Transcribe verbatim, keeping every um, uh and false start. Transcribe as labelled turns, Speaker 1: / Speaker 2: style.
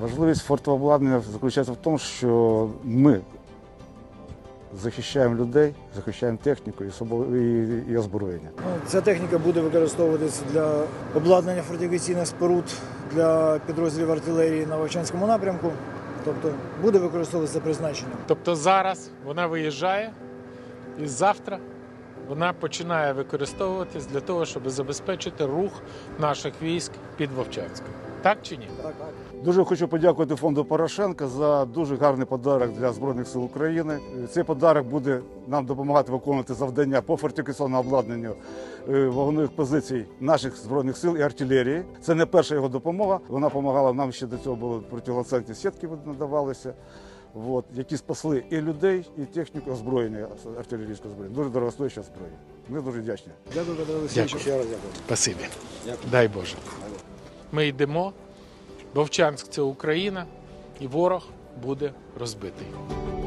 Speaker 1: Важливість фортообладнання заключається в тому, що ми захищаємо людей, захищаємо техніку і, собо- і, і озброєння.
Speaker 2: Ну, Ця техніка буде використовуватися для обладнання фортифікаційних споруд для підрозділів артилерії на Вовчанському напрямку. Тобто буде використовуватися за призначенням.
Speaker 3: Тобто зараз вона виїжджає і завтра вона починає використовуватись для того, щоб забезпечити рух наших військ під Вовчанськом. Так чи ні?
Speaker 2: Так, так.
Speaker 1: Дуже хочу подякувати фонду Порошенка за дуже гарний подарок для Збройних сил України. Цей подарок буде нам допомагати виконувати завдання по фортифікаційному обладнанню е, вогневих позицій наших Збройних сил і артилерії. Це не перша його допомога. Вона допомагала нам ще до цього, були протиланцетні сітки надавалися, от, які спасли і людей, і техніку озброєння, артилерійського озброєння. Дуже дорогостояща зброя. Ми дуже вдячні.
Speaker 2: Дякую, Петро Олексійович.
Speaker 3: Дякую.
Speaker 2: Ще раз дякую.
Speaker 3: Спасибі.
Speaker 2: Дякую.
Speaker 3: Дай Боже. Ми йдемо. Вовчанськ – це Україна, і ворог буде розбитий.